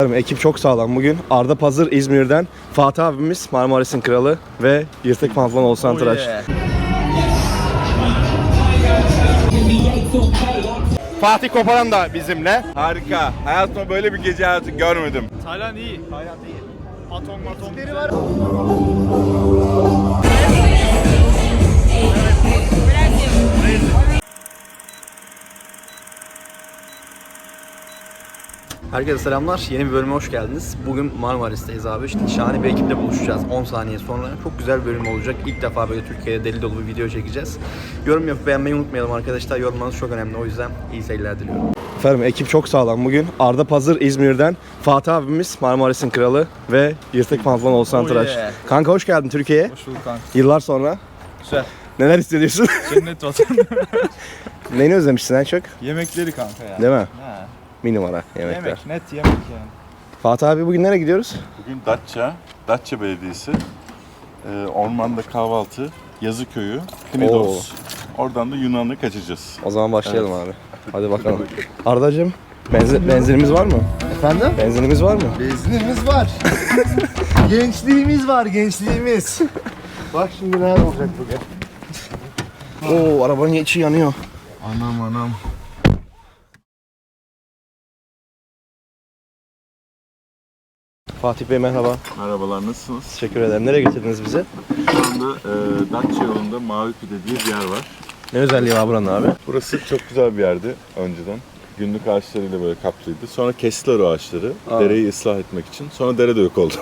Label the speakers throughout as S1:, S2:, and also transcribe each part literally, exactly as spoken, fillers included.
S1: Ekip çok sağlam bugün. Arda Pazır İzmir'den, Fatih abimiz Marmaris'in kralı ve Yırtık Pantolon Oğuzhan Tıraş. Oh yeah. Fatih Koparan da bizimle.
S2: Harika. Hayatımda böyle bir gece hayatı görmedim.
S3: Tayland iyi. Tayland iyi. Atom matom.
S1: Herkese selamlar. Yeni bir bölüme hoş geldiniz. Bugün Marmaris'teyiz abi. İşte şahane bir ekiple buluşacağız. on saniye sonra. Çok güzel bir bölüm olacak. İlk defa böyle Türkiye'de deli dolu bir video çekeceğiz. Yorum yapıp beğenmeyi unutmayalım arkadaşlar. Yorumlarınız çok önemli. O yüzden iyi seyirler diliyorum. Efendim ekip çok sağlam bugün. Arda Pazır İzmir'den, Fatih abimiz Marmaris'in kralı ve Yırtık Pantolon Oğuzhan Tıraş. Oh yeah. Kanka hoş geldin Türkiye'ye.
S3: Hoş bulduk kanka.
S1: Yıllar sonra.
S3: Güzel.
S1: Neler hissediyorsun?
S3: Cennet vatan.
S1: Neyini özlemişsin en çok?
S3: Yemekleri kanka ya.
S1: Değil mi?
S3: Ha.
S1: Bir numara yemekler.
S3: Yemek, net yemek yani.
S1: Fatih abi bugün nereye gidiyoruz?
S2: Bugün Datça, Datça Belediyesi, e, ormanda kahvaltı, Yazıköy'ü, Knidos. Oradan da Yunan'a kaçacağız.
S1: O zaman başlayalım evet. Abi. Hadi bakalım. Ardacığım, benzin, benzinimiz var mı?
S4: Efendim?
S1: Benzinimiz var mı?
S4: Benzinimiz var. Gençliğimiz var, gençliğimiz. Bak şimdi neler olacak bugün.
S1: Oo, arabanın içi yanıyor.
S4: Anam anam.
S1: Fatih Bey merhaba.
S2: Merhabalar, nasılsınız?
S1: Teşekkür ederim. Nereye getirdiniz bizi?
S2: Şu anda e, Datça yolunda Mavi Pide diye bir yer var.
S1: Ne özelliği var buranın abi?
S2: Burası çok güzel bir yerdi önceden. Günlük ağaçlarıyla böyle kaplıydı. Sonra kestiler o ağaçları,
S1: Aa.
S2: dereyi ıslah etmek için. Sonra dere de yok oldu.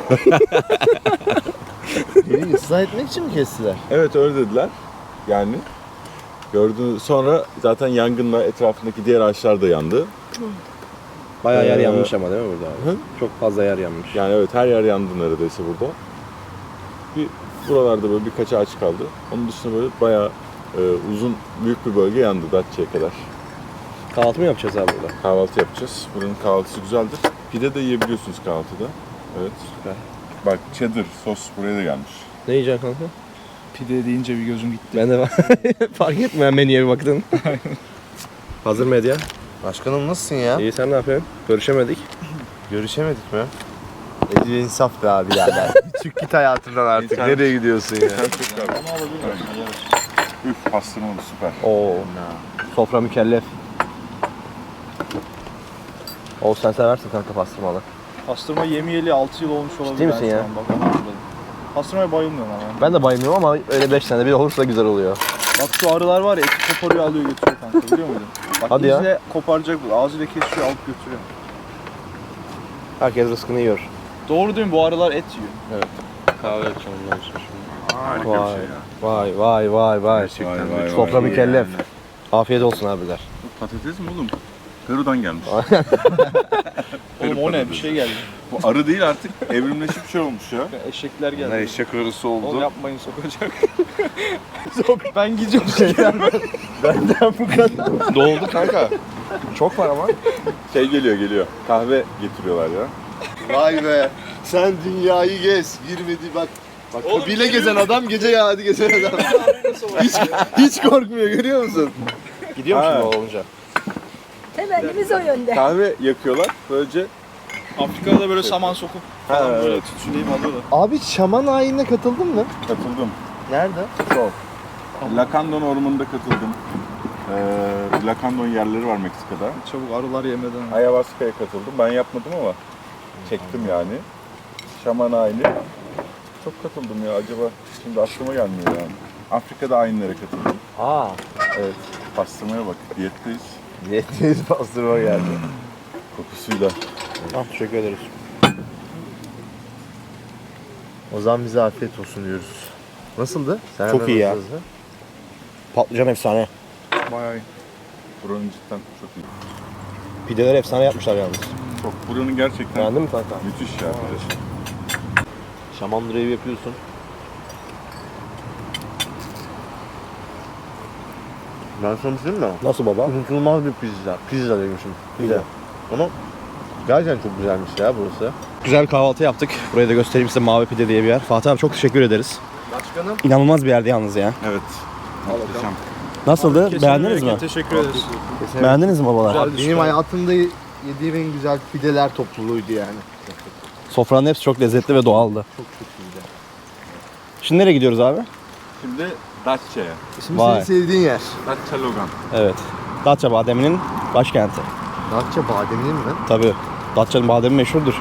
S4: Yeri ıslah etmek için mi kestiler?
S2: Evet, öyle dediler. Yani gördüğünüz sonra zaten yangınla etrafındaki diğer ağaçlar da yandı.
S1: Bayağı yer
S2: Ee,
S1: yanmış ama değil mi burada abi?
S2: Hı?
S1: Çok fazla yer yanmış.
S2: Yani evet, her yer yandı neredeyse burada. Bir buralarda böyle birkaç ağaç kaldı. Onun dışında böyle bayağı e, uzun, büyük bir bölge yandı Datça'ya kadar.
S1: Kahvaltı mı yapacağız abi burada?
S2: Kahvaltı yapacağız. Buranın kahvaltısı güzeldir. Pide de yiyebiliyorsunuz kahvaltıda. Evet.
S1: Süper.
S2: Bak, cheddar sos buraya da gelmiş.
S1: Ne yiyeceksin kanka?
S3: Pide deyince bir gözüm gitti.
S1: Ben de fark etmiyorum menüye bir baktın. Hazır medya.
S4: Başkanım nasılsın ya?
S1: İyi, sen ne yapıyorsun? Görüşemedik.
S4: Görüşemedik mi? Edil insaf be abi birader. Bir çık git hayatımdan artık.
S2: İnsan-
S4: Nereye gidiyorsun ya?
S2: Onu alabilir miyim? Üf, pastırmalı süper.
S1: Oo. Sofra mükellef. O sen seversin kanka pastırmalı.
S3: Pastırma yemeyeli altı yıl olmuş olabilir.
S1: Ciddi misin
S3: ben
S1: ya?
S3: şu an, bak, onu hatırladım. Pastırmaya bayılmıyorum ama.
S1: Ben de bayılmıyorum ama öyle beş tane bir olursa güzel oluyor.
S3: Bak şu arılar var ya, eti koparıyor alıyor götürüyor kanka, biliyor muydun? Bak
S1: Hadi ya.
S3: izle, koparacak bu, ağzıyla kesiyor alıp götürüyor.
S1: Herkes rızkını yiyor.
S3: Doğru değil mi? Bu arılar et yiyor.
S1: Kahve yapacağım ondan sonra.
S2: Harika
S1: Vay.
S2: bir şey ya.
S1: Vay vay vay vay.
S2: Gerçekten vay, vay,
S1: Sofra
S2: vay.
S1: mükellef. Afiyet olsun abiler.
S2: Bu patates mi oğlum? Peru'dan gelmiş.
S3: Oğlum o ne? Bir şey geldi.
S2: Bu arı değil artık, evrimleşip bir şey olmuş ya.
S3: Eşekler geldi.
S2: Ne eşek arısı oldu.
S3: Oğlum yapmayın, sokacak. Sok. Ben gideceğim şeyler.
S4: Benden bu kadar.
S1: Doldu kanka. Çok var ama.
S2: Şey geliyor geliyor. Kahve getiriyorlar ya.
S4: Vay be. Sen dünyayı gez. Girmedi bak. Bak
S3: Oğlum,
S4: bile gezen adam gece ya hadi gezen adam. hiç, hiç korkmuyor, görüyor musun?
S1: Gidiyor
S2: Ha.
S1: musun o olunca?
S5: Temennimiz o yönde.
S2: Kahve yakıyorlar. Böylece
S3: Afrika'da da böyle saman sokup falan
S2: Ha,
S3: böyle
S2: evet.
S3: tütsüleyip alıyorlar.
S4: Abi şaman ayinine katıldın mı?
S2: katıldım.
S4: Nerede?
S2: Sol. Lacandon ormanında katıldım. Ee, Lacandon yerleri var Meksika'da.
S3: Çabuk arılar yemeden.
S2: Ayahuasca'ya katıldım. Ben yapmadım ama çektim yani. Şaman ayini. Çok katıldım ya, acaba şimdi aklıma gelmiyor yani. Afrika'da ayinlere katıldım.
S1: Aa.
S2: Evet. Pastırmaya bak. Diyetteyiz.
S4: Niyetiniz pastırma geldi.
S2: Kokusuyla.
S1: Ah, teşekkür ederiz.
S4: O zaman bize afiyet olsun diyoruz. Nasıldı? Sen
S1: Çok
S4: hemen
S1: iyi ya.
S4: hızlı hızlı.
S1: Patlıcan efsane.
S3: Bayağı iyi.
S2: Buranın cidden çok iyi.
S1: Pideler efsane yapmışlar yalnız.
S2: Çok. Buranın gerçekten
S1: Beğendin mi kanka?
S2: müthiş ya.
S1: Şaman drive yapıyorsun.
S4: Ben sana bir şey diyeyim mi?
S1: Nasıl baba?
S4: Unutulmaz bir pizza. Pizza demişim. Pizza. Ama gerçekten çok güzelmiş ya burası.
S1: Güzel bir kahvaltı yaptık. Burayı da göstereyim size, Mavi Pide diye bir yer. Fatih abi çok teşekkür ederiz.
S4: Başkanım.
S1: İnanılmaz bir yerdi yalnız ya.
S2: Evet. Muhteşem.
S1: Nasıldı?
S3: Kesin
S1: Beğendiniz mi?
S3: Teşekkür ederiz.
S1: Beğendiniz mi babalar?
S3: Güzel.
S4: Benim
S3: Süper.
S4: hayatımda yediğim en güzel pideler topluluğuydu yani.
S1: Sofranın hepsi çok lezzetli ve doğaldı.
S4: Çok çok iyiydi.
S1: Şimdi nereye gidiyoruz abi?
S2: Şimdi Datça'ya.
S4: Şimdi
S1: Vay.
S4: senin sevdiğin yer.
S2: Datça Logan.
S1: Evet. Datça bademinin başkenti.
S4: Datça bademinin mi?
S1: Tabii. Datça'nın bademi meşhurdur.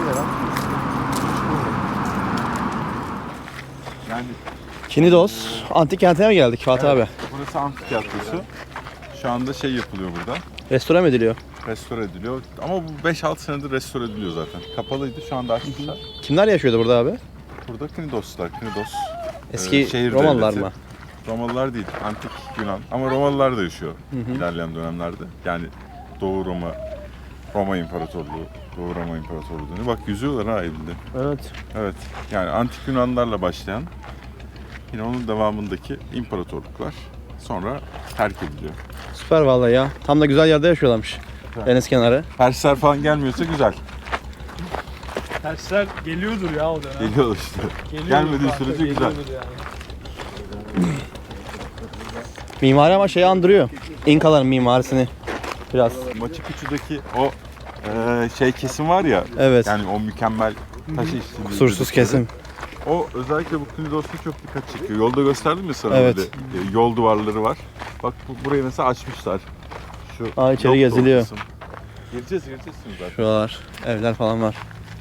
S2: Yani
S1: Kinidos antik kentine mi geldik Fatih abi?
S2: burası antik tiyatrosu. Şu anda şey yapılıyor burada.
S1: Restore mi ediliyor?
S2: Restore ediliyor. Ama bu beş altı senedir restore ediliyor zaten. Kapalıydı, şu anda açmışlar.
S1: Kimler yaşıyordu burada abi?
S2: Burada Knidoslar, Knidos.
S1: Eski
S2: e, şehir
S1: Romalılar
S2: devleti.
S1: mı?
S2: Romalılar değil, antik Yunan. Ama Romalılar da yaşıyor ilerleyen dönemlerde. Yani Doğu Roma, Roma İmparatorluğu, Doğu Roma İmparatorluğu dönüyor. Bak yüzüyorlar ha elinde.
S1: Evet.
S2: Evet, yani antik Yunanlarla başlayan, yine onun devamındaki imparatorluklar sonra terk ediliyor.
S1: Süper vallahi ya. Tam da güzel yerde yaşıyorlarmış. Deniz kenarı.
S2: Persler falan gelmiyorsa güzel.
S3: Tersler geliyordur ya o dönem.
S2: Geliyor işte.
S3: Geliyordur
S2: Gelmediği
S3: kanka,
S2: sürece güzel.
S3: geliyordur yani.
S1: Mimari ama şeyi andırıyor. İnkaların mimarisini biraz.
S2: Machu Picchu'daki o e, şey kesim var ya,
S1: Evet.
S2: yani o mükemmel taş işçiliği.
S1: Kusursuz
S2: dedikleri.
S1: kesim.
S2: O özellikle bu Knidos'ta çok dikkat çekiyor. Yolda gösterdim ya sana
S1: Evet.
S2: böyle e, yol duvarları var. Bak bu, burayı mesela açmışlar. Şu
S1: Aa, içeri
S2: yok da o
S1: geziliyor.
S2: kısım. Gireceğiz, gireceğiz şimdi zaten.
S1: Şuralar, evler falan var.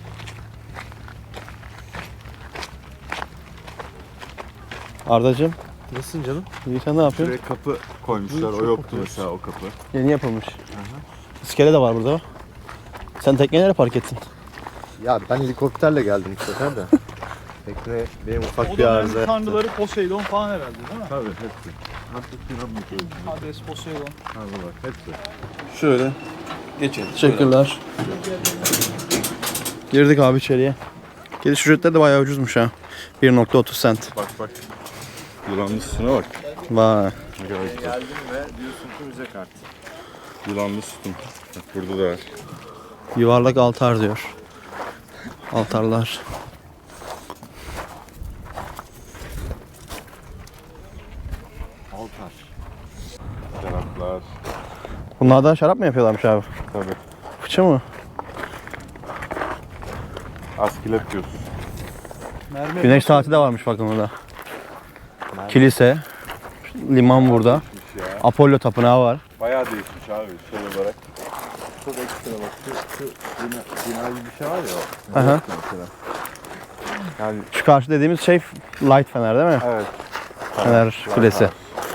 S1: Ardacığım,
S4: Nasılsın canım?
S1: iyi sen ne yapıyorsun?
S2: Şuraya kapı koymuşlar. O yoktu mesela o kapı.
S1: Yeni yapılmış. İskele de var burada. Sen tekneyi nereye park ettin?
S4: Ya ben helikopterle geldim bu sefer de. Tekne benim ufak
S3: O
S4: bir arıza
S3: dönem
S4: yaptı.
S3: tanrıları Poseidon falan herhalde değil mi?
S2: Tabii hepsi. Antik Yunan mitolojisi.
S3: Hades, Poseidon.
S2: Tanrılar hepsi.
S1: Şöyle. Geçelim. Teşekkürler. Girdik abi içeriye. Giriş ücretleri de bayağı ucuzmuş ha. bir nokta otuz sent.
S2: Bak bak. Yılanlı sütuna bak.
S1: Vay.
S2: Ne kadar güzel.
S4: Geldim ve diyorsun ki müze kart.
S2: Yılanlı sütun. Bak burada da var.
S1: Yuvarlak altar diyor. Altarlar.
S2: Altar. Şaraplar.
S1: Bunlardan şarap mı yapıyorlarmış abi?
S2: Tabii.
S1: Fıçı mı?
S2: Askilet diyorsun.
S3: Mermer
S1: Güneş saati de varmış bakın burada. Kilise. Liman burada.
S2: Ya.
S1: Apollo tapınağı var.
S2: Bayağı değişmiş abi şey olarak.
S4: Çok ekstra bak. Şu, şu bina, bina gibi bir şey var ya. o.
S1: Aha.
S4: Mesela.
S2: Yani
S1: Şu karşı dediğimiz şey light fener değil mi?
S2: evet.
S1: Fener kulesi.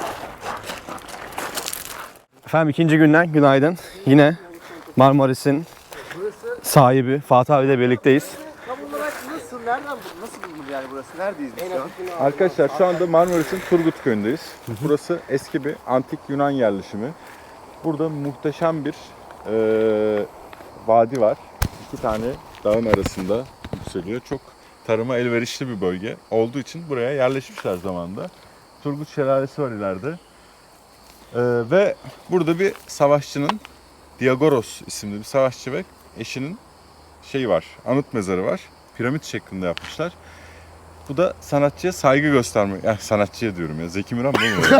S1: Efendim ikinci günden günaydın. Yine Marmaris'in sahibi Fatih abiyle birlikteyiz.
S4: Tam olarak nasıl, nereden, nasıl bulunur yani burası? Neredeyiz biz şu an?
S2: Arkadaşlar şu anda Marmaris'in Turgut Köyü'ndeyiz. Burası eski bir antik Yunan yerleşimi. Burada muhteşem bir eee vadi var. İki tane dağın arasında yükseliyor. Çok tarıma elverişli bir bölge olduğu için buraya yerleşmişler zamanında. Turgut Şelalesi var ileride. Eee, ve burada bir savaşçının, Diagoros isimli bir savaşçı ve eşinin şeyi var, anıt mezarı var. Piramit şeklinde yapmışlar. Bu da sanatçıya saygı göstermek. Yani sanatçıya diyorum ya. Zeki Müren değil mi?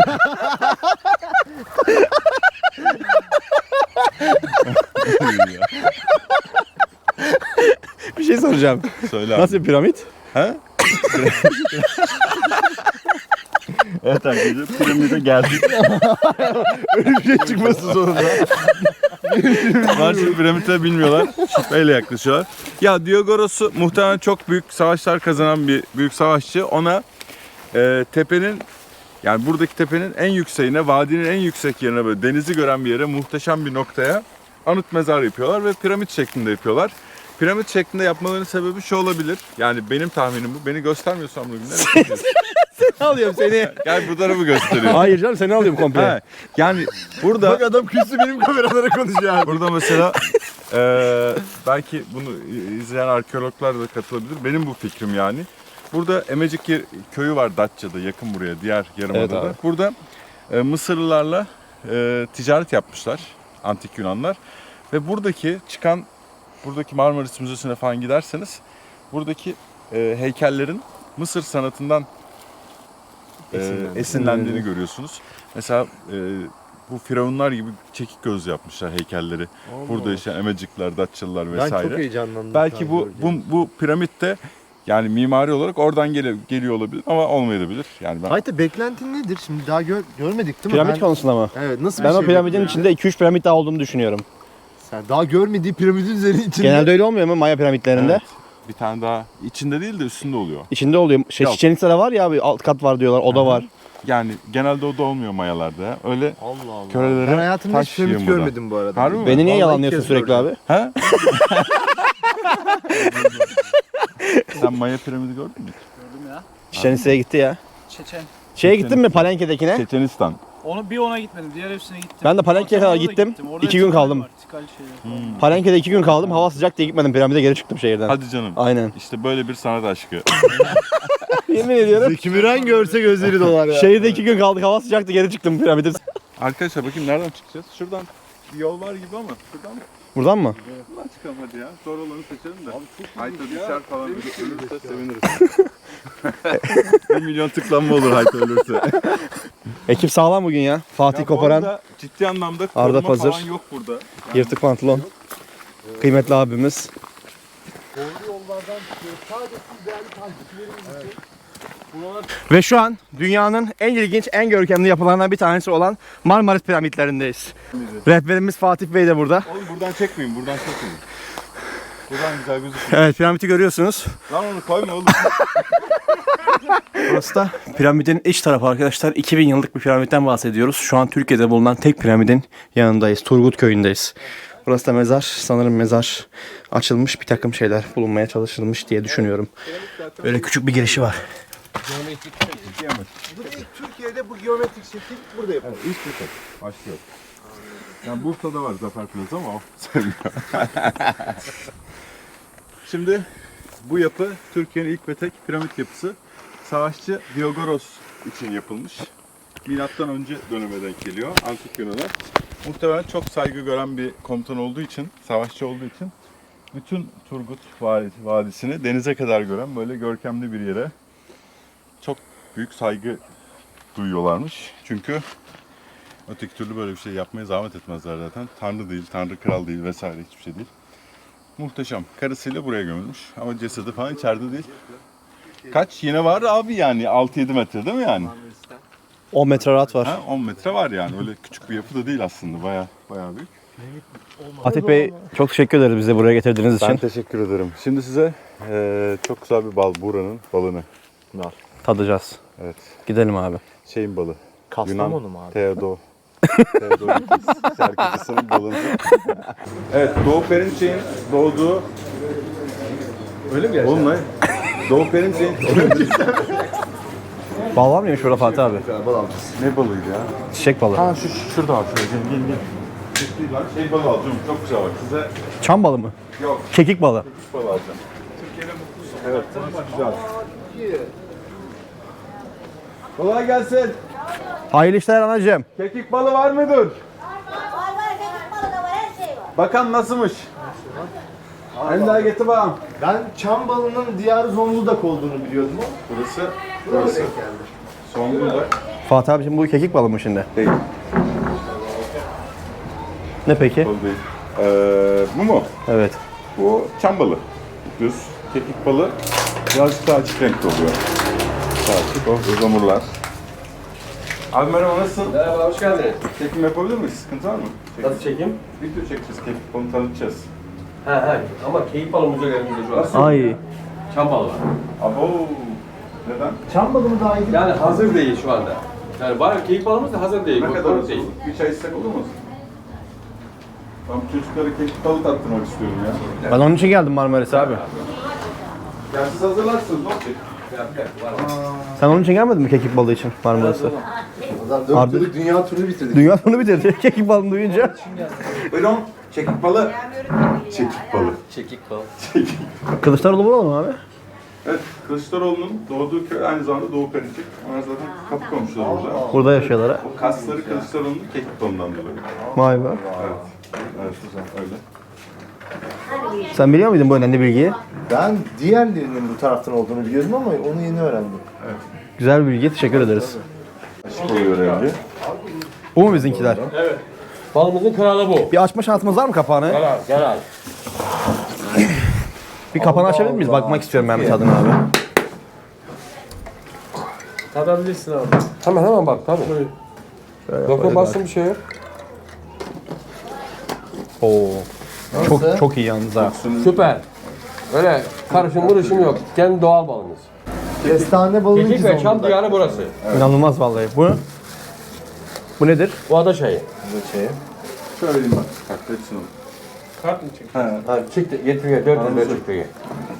S1: Bir şey soracağım.
S2: Söyle abi.
S1: Nasıl bir piramit?
S2: Ha? Evet arkadaşlar piramide geldik.
S4: Öyle bir şey çıkmasın sonunda.
S2: Maalesef piramide bilmiyorlar. Şüpheyle yaklaşıyorlar. Ya Diogoros'u muhtemelen çok büyük savaşlar kazanan bir büyük savaşçı. Ona e, tepenin yani buradaki tepenin en yükseğine, vadinin en yüksek yerine böyle denizi gören bir yere muhteşem bir noktaya anıt mezar yapıyorlar ve piramit şeklinde yapıyorlar. Piramit şeklinde yapmalarının sebebi şu olabilir. Yani benim tahminim bu. Beni göstermiyorsan bunu günler.
S1: Ne alıyorum seni?
S2: Gel bu tarafı gösteriyor.
S1: Hayır canım seni alıyorum komple.
S2: Ha, yani burada
S4: Bak adam küstü benim kameralara konuşuyor abi.
S2: burada mesela eee, belki bunu izleyen arkeologlar da katılabilir. Benim bu fikrim yani. Burada Emecik yer- köyü var Datça'da yakın buraya diğer yarımadada.
S1: Evet abi.
S2: Burada e, Mısırlılarla e, ticaret yapmışlar antik Yunanlar ve buradaki çıkan buradaki Marmaris Müzesi'ne falan giderseniz buradaki e, heykellerin Mısır sanatından e,
S4: Esinlendiğini.
S2: esinlendiğini görüyorsunuz. Mesela e, bu firavunlar gibi çekik göz yapmışlar heykelleri. Burada yaşayan Emecikler, Datçalılar
S4: Ben
S2: vesaire.
S4: çok heyecanlandım.
S2: Belki bu bu bu piramit de yani mimari olarak oradan geliyor, geliyor olabilir ama olmayabilir. Yani ben
S4: Hayta beklentin nedir? Şimdi daha gör, görmedik değil mi?
S1: Piramit
S4: Ben-
S1: konusunda mı?
S4: Evet, nasıl
S1: Ben
S4: bir
S1: o
S4: şey
S1: piramidin
S4: bekliyorum?
S1: içinde iki üç piramit daha olduğunu düşünüyorum.
S4: Sen daha görmediği piramidin üzerinde içinde.
S1: Genelde öyle olmuyor mu Maya piramitlerinde?
S2: Evet. Bir tane daha içinde değil de üstünde oluyor.
S1: İçinde oluyor. Şey,
S2: Yok.
S1: Chichen Itza'da var ya abi alt kat var diyorlar, oda var.
S2: Yani genelde o da olmuyor mayalarda. ya. Öyle
S4: Allah Allah.
S2: Körelere
S4: Ben hayatımda hiç
S2: taş
S4: piramit
S2: yığın burada.
S4: görmedim bu arada.
S2: Harbi mi?
S1: Beni niye
S4: Vallahi
S1: yalanlıyorsun
S4: ilk kez
S1: sürekli
S4: gördüm.
S1: abi?
S2: Ha? Sen Maya piramidi gördün mü?
S3: Gördüm ya.
S1: Chichen Itza'ya gitti ya.
S3: Çeçen.
S1: Şeye gittin mi Palenke'dekine?
S2: Çeçenistan.
S3: Onu bir ona gitmedim. Diğer hepsine gittim.
S1: Ben de Palenke'ye kadar
S3: Orada da
S1: gittim.
S3: Orada
S1: İki gün
S3: tikal
S1: kaldım.
S3: var, tikal şeyler falan.
S1: Palenke'de iki gün kaldım. Hava sıcak diye gitmedim piramide, geri çıktım şehirden.
S2: Hadi canım.
S1: Aynen.
S2: İşte böyle bir sanat aşkı.
S1: Yemin ediyorum.
S4: Zeki Müren görse gözleri dolar ya.
S1: Şehirde iki gün kaldık, hava sıcaktı, geri çıktım piramide.
S2: Arkadaşlar bakayım nereden çıkacağız? Şuradan bir yol var gibi ama şuradan mı?
S1: Buradan mı?
S2: Buradan çıkalım hadi ya. Zor olanı seçelim de. Hayta düşer falan bir ölürse seviniriz. Bir milyon tıklanma olur Hayta ölürse.
S1: Ekip sağlam bugün ya. Fatih
S2: Ya bu
S1: Koparan,
S2: arada ciddi anlamda
S1: Arda
S2: koruma
S1: Pazır.
S2: falan yok burada.
S1: yırtık pantolon. Kıymetli abimiz.
S4: Doğru yollardan çıkıyor. Sadece siz değerli takipçilerimiz için.
S1: Ve şu an dünyanın en ilginç, en görkemli yapılarından bir tanesi olan Marmaris piramitlerindeyiz. Rehberimiz Fatih Bey de burada.
S2: Oğlum buradan çekmeyin, buradan çekmeyin. Buradan güzel gözüküyor.
S1: Evet, piramidi görüyorsunuz.
S2: Lan onu koyma oğlum.
S1: Burası da piramidin iç tarafı arkadaşlar. iki bin yıllık bir piramitten bahsediyoruz. Şu an Türkiye'de bulunan tek piramidin yanındayız. Turgut Köyü'ndeyiz. Burası da mezar. Sanırım mezar açılmış, bir takım şeyler bulunmaya çalışılmış diye düşünüyorum. Böyle küçük bir girişi var.
S4: Bu da ilk Türkiye'de bu geometrik şekil burada yapılıyor.
S2: İlk bir tek. Başlıyor. Yani Bursa'da var Zafer Plaza ama o sevmiyor. Şimdi bu yapı Türkiye'nin ilk ve tek piramit yapısı. Savaşçı Diyogoros için yapılmış. Milattan önce döneme denk geliyor. Antik Yunan'a. Muhtemelen çok saygı gören bir komutan olduğu için, savaşçı olduğu için bütün Turgut Vadisi'ni denize kadar gören böyle görkemli bir yere çok büyük saygı duyuyorlarmış. Çünkü öteki türlü böyle bir şey yapmaya zahmet etmezler zaten. Tanrı değil, Tanrı kral değil vesaire hiçbir şey değil. Muhteşem. Karısıyla buraya gömülmüş ama cesedi falan içeride değil. Kaç? Yine var abi yani altı yedi metre değil mi yani?
S1: on metre rahat var.
S2: Ha, on metre var yani. Öyle küçük bir yapı da değil aslında. Baya baya büyük.
S1: Fatih Bey çok teşekkür ederiz bizi buraya getirdiğiniz için.
S2: Ben teşekkür ederim. Şimdi size eee, çok güzel bir bal. Buranın balını.
S1: Tadacağız.
S2: Evet.
S1: Gidelim abi.
S2: Şeyin balı.
S4: Kastamonu mu abi?
S2: Teodo. Teodorakis şarkıcısının balını. Evet, Doğu Perinçek'in doğduğu...
S4: Öyle mi
S2: Oğlum ne? Doğu Perinçek'in...
S1: Bal var mıymış burada Fatih abi?
S4: Bal alacağız.
S2: Ne balıydı ya?
S1: Çiçek balı.
S2: Ha şu, şu şurada var. Şurada. Gel gel gel. Şey balı alacağım. Çok güzel bak. Size
S1: Çam balı mı?
S2: yok.
S1: Kekik balı.
S2: Kuş balı alacağım. Türkiye'de mutlusun. Evet. Güzel. Kolay gelsin.
S1: Hayırlı işler anacığım.
S2: Kekik balı var mıdır?
S6: Var var, kekik balı da var, her şey var.
S2: Bakan nasılmış? Hem daha getir bakalım.
S4: Ben çam balının diyarı Zonguldak olduğunu biliyordum ama.
S2: Burası,
S4: Burası
S2: burası
S4: geldi.
S2: Zonguldak.
S1: Fatih abicim bu kekik balı mı şimdi?
S2: Değil.
S1: Ne peki?
S2: Balı değil. Ee, bu mu?
S1: Evet.
S2: Bu çam balı. Düz. Kekik balı birazcık daha açık renkli oluyor. Daha açık. O ızamurlar. Abi merhaba, nasılsın?
S7: Merhaba, hoş geldiniz.
S2: Çekim yapabilir miyiz? Sıkıntı var mı? Çekim.
S7: Nasıl çekeyim?
S2: Video çekeceğiz. Kekik balını tanıtacağız.
S7: He he, ama keyif balımız yok elimizde şu an.
S1: Ay.
S7: Çam balı var.
S2: Abo. Neden?
S4: Çam balı mı daha iyi?
S7: Yani hazır değil şu anda. Yani bayağı keyif balımız da hazır değil.
S2: Ne
S7: bu-
S2: kadar
S7: bu değil.
S2: olsun? Bir çay içsek olur mu? Ben çocuklara kekik balı tattırmak istiyorum ya.
S1: Ben onun için geldim Marmaris'e abi.
S2: Ya siz hazırlarsınız, ne olacak?
S1: Sen onun için gelmedin mi kekik balı için Marmaris'e?
S4: Adam dört
S1: Arda-
S4: yıllık dünya turunu bitirdik.
S1: Dünya bunu bitirdi kekik balını duyunca.
S2: Buyurun. Çekik balı. Çekik balı.
S7: Çekik bal.
S1: Kılıçdaroğlu bulalım mı abi?
S2: Evet, Kılıçdaroğlu'nun doğduğu köy aynı zamanda Doğu Perinçek. Onlar zaten kapı komşuları burada.
S1: Burada yaşıyorlar ha.
S2: O kasları Kılıçdaroğlu'nun kekik balından dolayı.
S1: Vay be.
S2: Evet. Evet, öyle.
S1: Sen biliyor muydun bu önemli bilgiyi?
S4: Ben diğerlerinin bu taraftan olduğunu biliyordum ama onu yeni öğrendim.
S1: Güzel bir bilgi. Teşekkür ederiz.
S2: Işık oluyor rengi.
S1: Bu mu bizimkiler?
S7: Evet. Balımızın kralı bu.
S1: Bir açma şansımız var mı kapağını?
S7: Gel al, gel al.
S1: Bir kapağını açabilir miyiz? Bakmak istiyorum ben bir tadına abi.
S3: Tadabilirsin abi.
S7: Hemen hemen bak tabii. Dokun bassın bir şey yok.
S1: Oo. Çok çok iyi yalnız ha.
S7: Süper. Öyle karışım vuruşum yok. Kendi doğal balımız.
S4: Kestane balının
S7: Kekik ve
S4: güzel.
S7: Çam diyarı burası.
S1: İnanılmaz vallahi. Bu Bu nedir?
S7: Bu ada çayı.
S2: Şöyle diyeyim bak. Kalk hepsini al.
S3: Kart mı çek?
S7: Ha, çıktı, getir gel, dört yüz lira çıktı gel.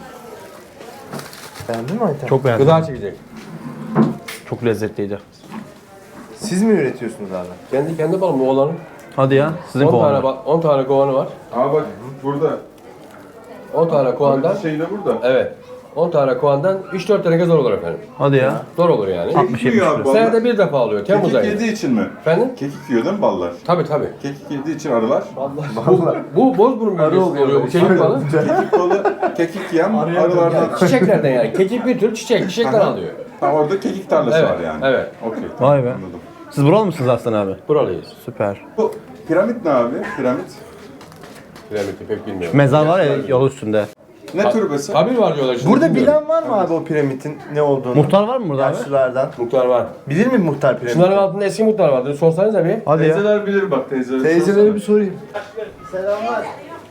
S4: Beğendin mi Ayten?
S1: Çok beğendim.
S7: Gıda çekecek.
S1: Çok lezzetliydi.
S4: Siz mi üretiyorsunuz abi?
S7: Kendi kendi balım oğlanın.
S1: Hadi ya. Sizin
S7: on tane,
S1: kovanlar.
S7: ba- on tane kovanı var.
S2: Aa bak burada.
S7: on tane kovandan,
S2: Şey de burada.
S7: evet. on tane kovandan üç dört tane zor olur efendim.
S1: Hadi ya.
S7: Zor olur yani.
S1: altmış yetmiş
S2: yiyor abi
S1: lira.
S2: ballar.
S7: Senede bir defa oluyor, Temmuz
S2: Kekik
S7: ayında.
S2: yediği için mi?
S7: Efendim?
S2: Kekik yiyor değil mi ballar?
S7: Tabii tabii.
S2: Kekik yediği için arılar.
S7: Bu, bu bozburun bölgesinde
S4: oluyor
S7: oluyor bu
S4: böyle.
S7: kekik balı.
S2: Kekik balı, kekik yiyen arılardan.
S7: Çiçeklerden yani. Kekik bir tür çiçek, çiçekten alıyor.
S2: Ha, orada kekik tarlası
S7: Evet,
S2: var yani.
S7: evet.
S2: Okey. tamam,
S1: Vay be.
S2: Anladım.
S1: Siz buralı mısınız Aslan abi?
S7: Buralıyız.
S1: Süper.
S2: Bu piramit ne abi? Piramit.
S7: Piramidi pek bilmiyorum.
S1: Mezar var ya yol üstünde.
S2: Ne türbesi?
S7: Kabir var diyorlar şimdi.
S4: Burada
S7: bilmiyorum.
S4: bilen var mı abi o piramidin ne olduğunu?
S1: Muhtar var mı burada abi?
S4: Yaşlılardan.
S7: Muhtar var.
S4: Bilir mi muhtar piramidi?
S7: Şunların altında eski muhtar vardı. Sorsanız da bir.
S1: Hadi ya.
S2: Teyzeler bilir bak teyzeler.
S4: Teyzelere bir sorayım. Selamlar.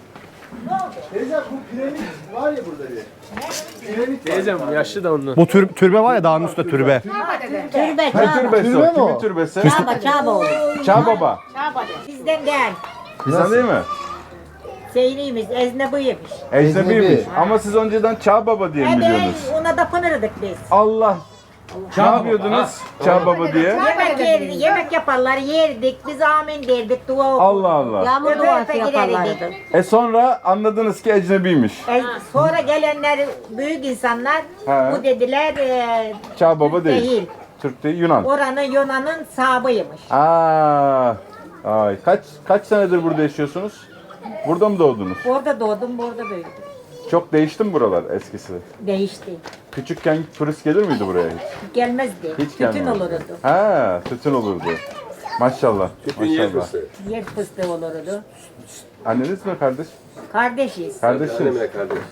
S4: Teyze bu piramit var ya burada bir. Piramit var.
S3: Diyeceğim yaşlı da ondan.
S1: Bu tür, türbe var ya dağın üstünde türbe.
S6: Türbe,
S2: Ne
S6: çaba.
S2: türbesi
S4: Türbe mi
S2: o?
S4: o?
S2: Kimin türbesi?
S6: Çaba, çaba olur.
S2: Çağ Baba.
S6: Bizden değil.
S2: Bizden değil mi?
S6: Zeyniymiş, eznebiymiş.
S2: Ecnebiymiş.
S4: Ecnebi.
S2: Ama siz önceden Çağ Baba diye mi
S6: Evet,
S2: biliyordunuz?
S6: ona da pınırdık biz.
S2: Allah. Ne yapıyordunuz? Çağ Baba diye.
S6: Yemek yerdik, yemek yaparlar, yerdik, biz amin derdik, dua okurduk.
S2: Allah Allah.
S6: Yağmur duası yaparlardı.
S2: E sonra anladınız ki ecnebiymiş.
S6: E, sonra gelenler büyük insanlar
S2: He.
S6: bu dediler e,
S2: Çağ Baba değil.
S6: değil.
S2: Türk değil, Yunan.
S6: Oranın Yunan'ın sahabıymış.
S2: Aa. Ay kaç kaç senedir burada yaşıyorsunuz? Burada mı doğdunuz?
S6: Orada doğdum, orada büyüdüm.
S2: Çok değişti mi buralar eskisi?
S6: Değişti.
S2: Küçükken turist gelir miydi buraya hiç?
S6: Gelmezdi.
S2: Hiç
S6: Tütün
S2: gelmedi.
S6: olurdu.
S2: Ha, tütün olurdu. Maşallah. Maşallah.
S6: Yer fıstığı olurdu.
S2: Anneniz mi kardeş?
S6: Kardeşiz.
S2: Kardeşiniz.
S7: Annemle kardeş.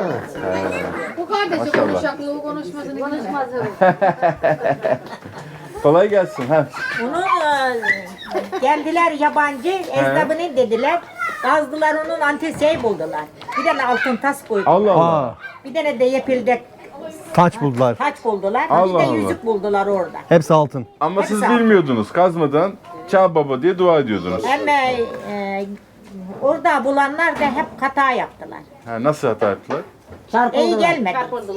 S8: Bu kardeşi
S2: Maşallah.
S8: konuşaklığı konuşmasını konuşmaz.
S2: Kolay gelsin. Ha.
S6: Onu e, geldiler yabancı, esnafını dediler. Kazdılar onun antiseyi buldular. Bir tane altın tas koydular.
S2: Allah Allah.
S1: Aa,
S6: Bir tane de yepilde
S1: taç buldular.
S6: taç buldular.
S2: Allah
S6: bir de
S2: Allah.
S6: yüzük buldular orada.
S1: Hepsi altın.
S2: Ama
S6: Hepsi
S2: siz
S6: altın.
S2: bilmiyordunuz. Kazmadan Çağ Baba diye dua ediyordunuz.
S6: Hem e, orada bulanlar da hep hata yaptılar.
S2: Ha, nasıl hata yaptılar?
S6: İyi gelmedi.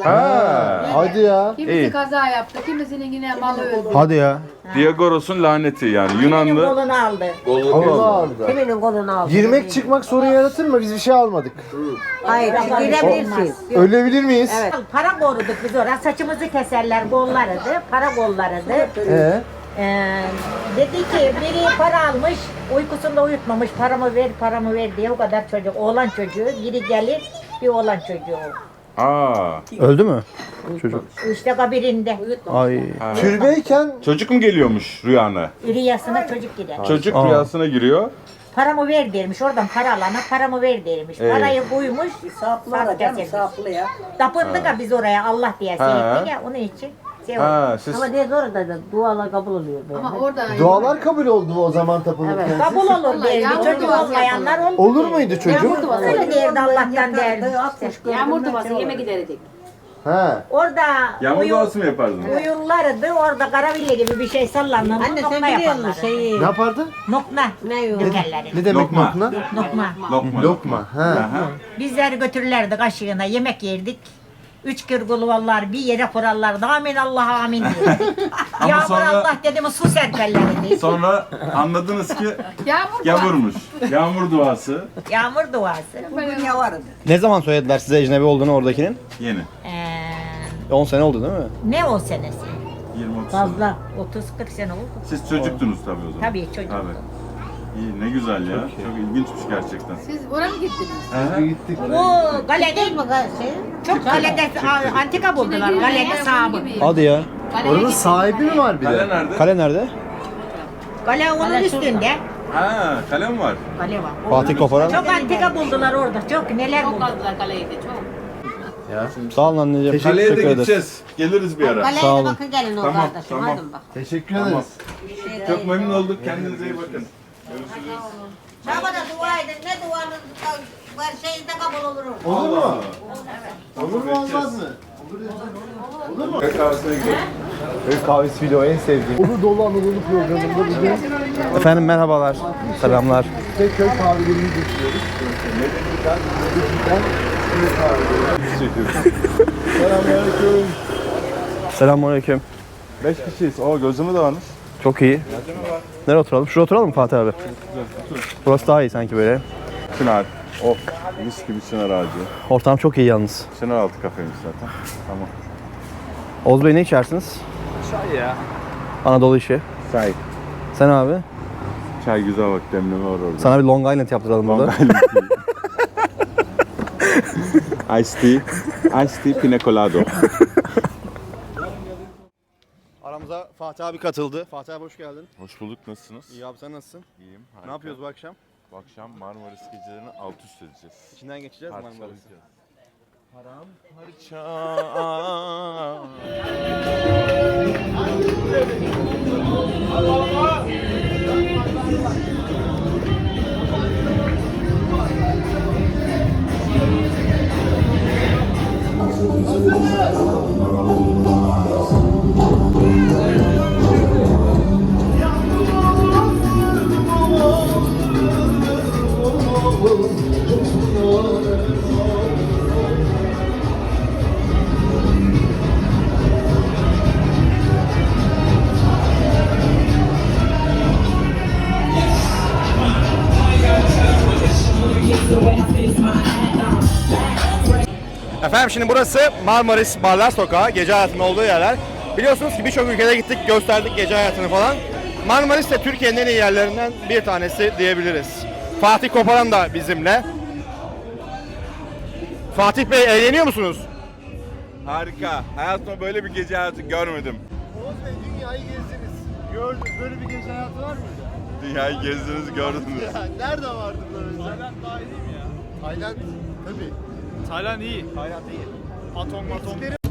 S2: Ha.
S4: Hadi ya.
S8: Kimisi
S2: İyi.
S8: kaza yaptı, kimisinin yine malı öldü.
S1: Hadi ya.
S2: Diagoros'un laneti yani
S6: Benim
S2: Yunanlı.
S6: kolunu aldı.
S4: Allah Allah.
S6: Kiminin kolunu aldı?
S4: Girmek çıkmak sorun yaratır mı? Biz bir şey almadık.
S6: Hayır, girebilirsin.
S4: Ölebilir miyiz?
S6: Evet. Para koruduk biz oraya. Saçımızı keserler, kollarıdı. Para kollarıdı.
S4: Ee?
S6: Ee, dedi ki biri para almış, uykusunda uyutmamış, paramı ver, paramı ver diye o kadar çocuk, oğlan çocuğu, biri gelir, bir oğlan çocuğu.
S2: Aa.
S1: Öldü mü? Çocuk.
S6: İşte kabirinde,
S1: Ay.
S4: Türbeyken
S2: Çocuk mu geliyormuş rüyana?
S6: rüyasına çocuk gider.
S2: Çocuk
S1: Aa.
S2: rüyasına giriyor.
S6: Paramı ver dermiş, oradan para alana paramı ver dermiş.
S2: Evet.
S6: Parayı koymuş, saplı canım, saplı ya. Tapındık ya biz oraya Allah diye
S2: Ha.
S6: seyrettik ya, onun için. Şey oldu.
S2: Ha, siz
S5: Diye orada da dualar kabul oluyor böyle.
S8: Ama orada
S4: dualar kabul oldu mu o zaman tapınırken?
S6: Kabul olur derdi,
S8: Yağmur
S6: çocuk
S8: duası
S6: olmayanlar olur.
S4: Olur muydu çocuk?
S6: Öyle derdi Allah'tan derdi.
S8: yağmur duası yeme giderdik.
S4: Ha.
S6: Orada
S2: yağmur
S6: uyu-
S2: duası mı yapardınız?
S6: uyurlardı, orada karaville gibi bir şey sallanır.
S5: Anne
S6: nokma
S5: sen biliyor musun
S6: yaparlar.
S5: şeyi?
S4: Ne yapardı?
S6: Nokma.
S5: Ne yok?
S6: Dökerler.
S4: Ne demek
S2: Lokma.
S4: lokma?
S6: Nokma.
S2: Lokma.
S4: Lokma. Ha.
S6: Bizleri götürürlerdi kaşığına, yemek yerdik. Üç kırgılı vallar bir yere kurarlardı. Amin Allah amin derdik. Yağmur
S2: sonra-
S6: Allah dedi mi su serperlerdi.
S2: Sonra anladınız ki
S8: Yağmur duası.
S2: yağmurmuş. Yağmur duası.
S6: Yağmur duası.
S1: Ne zaman söylediler size ecnebi olduğunu oradakinin?
S2: Yeni.
S6: Ee,
S1: on sene oldu değil mi?
S6: ne o senesi?
S2: yirmi otuz sene.
S6: Fazla. otuz kırk sene oldu.
S2: Siz çocuktunuz tabii o zaman.
S6: Tabii çocuktum.
S2: Tabii. İyi ne güzel ya. Çok, ilginçmiş gerçekten.
S8: Siz oraya mı gittiniz?
S4: Biz gittik.
S6: Bu galede çok galede a- antika buldular. Galede sahibi.
S1: Hadi ya.
S4: Oranın sahibi mi var bir de?
S2: nerede?
S1: Kale nerede?
S6: Kale onun üstünde.
S2: Ha, kalem var.
S6: Kale var.
S1: Fatih Koparan.
S6: Çok antika buldular orada. Çok neler
S8: Çok
S6: buldular.
S8: aldılar kaleyi de çok.
S1: Sağ olun anneciğim.
S2: Kaleye de
S1: Teşekkür ederiz.
S2: gideceğiz. Geliriz bir ara.
S5: Kaleye
S1: Sağ
S5: de
S1: olun.
S5: bakın gelin o
S2: Tamam,
S5: kardeşim.
S2: tamam.
S5: Hadi bak.
S4: Teşekkür ederiz.
S2: Çok memnun olduk. Kendinize iyi bakın.
S5: Şabada dua edin. Ne duanız var şeyde kabul olur.
S4: Olur mu? Olur mu olmaz mı? Olur mu?
S2: Kahvesine gidelim.
S4: Köy kahvesi video en sevdiğim. Olur dolu Anadolu programında bugün
S1: Efendim merhabalar. Selamlar.
S4: tek köy kahvelerini getiriyoruz. Medeni'den, Medeni'den köy kahveleri çekiyoruz. Selamünaleyküm.
S1: Selamünaleyküm.
S2: Beş kişiyiz. O gözümü dağınır.
S1: Çok iyi. Nereye oturalım? Şuraya oturalım mı Fatih abi? Burası daha iyi sanki böyle.
S2: Çınar. Oh, mis gibi çınar ağacı.
S1: Ortam çok iyi yalnız.
S2: Çınar altı kafeymiş zaten. Tamam.
S1: Oğuz Bey ne içersiniz?
S3: Çay ya.
S1: Anadolu işi.
S2: Çay.
S1: Sen abi?
S2: Çay güzel bak, demleme var orada.
S1: Sana bir Long Island yaptıralım burada.
S2: Long Island tea. Ice tea. Ice tea pina colado.
S1: Aramıza Fatih abi katıldı. Fatih abi hoş geldin.
S2: Hoş bulduk, nasılsınız?
S1: İyi abi sen nasılsın?
S2: İyiyim.
S1: Ne yapıyoruz bu akşam?
S2: Bu akşam Marmaris gecelerini alt üst edeceğiz.
S1: İçinden geçeceğiz
S2: Parçalayacağız.
S1: Marmaris'i.
S2: Param parça.
S1: Efendim şimdi burası Marmaris Barlar Sokağı, gece hayatının olduğu yerler. Biliyorsunuz ki birçok ülkede gittik, gösterdik gece hayatını falan. Marmaris de Türkiye'nin en iyi yerlerinden bir tanesi diyebiliriz. Fatih Koparan da bizimle. Fatih Bey eğleniyor musunuz?
S2: Harika. Hayatımda böyle bir gece hayatı görmedim.
S4: Oğuz Bey dünyayı gezdiniz. Gördünüz. Böyle bir gece hayatı var mıydı?
S2: Dünyayı gezdiniz, gördünüz.
S4: Ya nerede vardı böyle? Tayland daha iyi mi ya? Tayland tabii.
S3: Tayland iyi.
S4: Tayland iyi.
S3: Atom matom.